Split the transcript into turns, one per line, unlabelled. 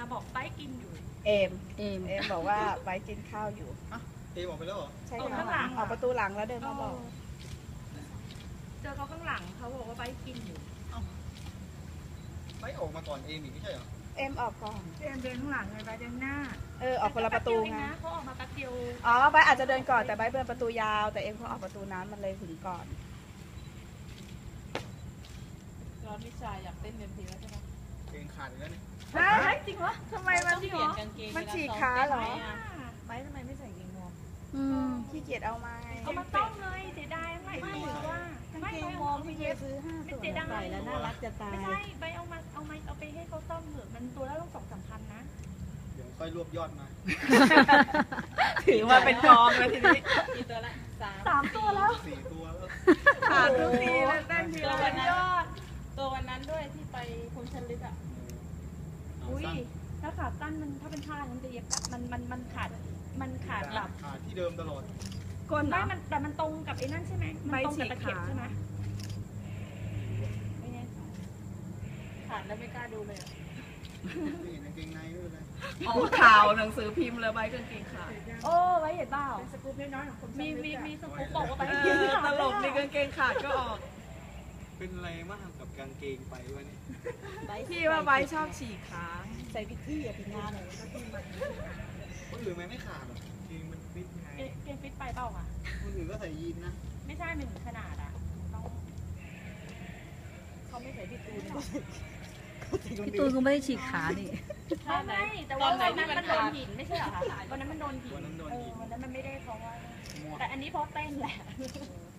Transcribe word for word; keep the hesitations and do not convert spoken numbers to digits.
บอกไปกินอยู่
เอม
เอม
เอมบอกว่าไปกินข้าวอยู่
เอมออกไปแล้วเหรอ
ใช่ค่ะออกประตูหลังแล้วเดินมาบอก
เจอเขาข้างหลังเขาบอกว่าไปกินอยู่
ไปออกมาก่อนเอมอีกไม่ใช่เหรอ
เอมออกก่อน
เดินเดินข้างหลังเลยไปเดินหน้า
เออออกคนละประตูไง
เขาออกมาแป๊บเดียว
อ๋อใบอาจจะเดินก่อนแต่ใบเดินประตูยาวแต่เอ็มเขาออกประตูนั้นมันเลยถึงก่อน
ร้อนวิชาอยากเต้นเต็มทีแล้วใช่ไหม
เกงขาดอีกแล้วนี่
จริงเหรอ
ทำไมมัน
เปลี่ยนกางเกง
มันฉีกขาเหรอ
ใบทำไมไม่ใส่กางเกงวอร์ม
ขี้เกียจเอามา
เอามาต้มเลยเสียดายไม่ไม่หรือว่ากางเกงวอร์ม
พี่เยซื้อห้าตัว
ใส่แล้วน่ารักจะตาย
ไม่ใช่ใบเอามาเอามาเอาไปให้เขาต้มเถอะมันตัวละต้องสองสามพันนะ
เดี๋ยวค่อยรวบยอดมา
ถือว่าเป็นกองเลยทีนี้
กี่ตัวละสาม
สามตัวแล้ว
สี่ตัวแล้ว
ขาดทุกทีเลยเต้นทีละยอด
ตัววันนั้นด้วยที่ไปพรมชันลึกอ่ะ
อุ้ยถ้าขาดตั้นมันถ้าเป็นผ้ามันจะเย็บมันมันมันขาดมันขาดแบบ
ขาดที่เดิมตลอด
ก้น
ไม่มันแต่มันตรงกับไอ้นั่นใช่ไหมมันตรงกับตะเข็บใช่ไหมไม่แน่
ขาดแล้วไม่กล้าดูเลย
ไม่เห็นกางเกงในด้วยเลย
เอาข่าวหนังสือพิมพ์เลยใบกางเกงขาด
โอ้ไว้เห็นเปล่าสกู๊ปน้อยๆของคนมีมีมีสกู๊ปบอกว่าไป
ตลกในกางเกงขาดก็ออก
เป็นอะไรมากกับกางเกงไปวะนี่
พี่ว่าใบชอบฉีกขา
ใส่พิธีอะพิงานเลย
คนอื่นไม่ขาดหรอกเกงมันฟิตไง
เกงฟิตไปเปล่าอ่ะ
คนอื่นก็ใส่ยีนนะ
ไม่ใช่มันขนาดอ่ะต้อง
เขาไม่ใส่พี่ตูน
พี่ตูนก็ไม่ได้ฉีกขานี่
ไม่ไม่แต่ว่าวันนั้นมันโดนหินไม่ใช่เหรอคะวันนั้นมันโดนหินเออวันนั้นมันไม่ได้เพราะว่าแต่อันนี้เพราะเต้นแหละ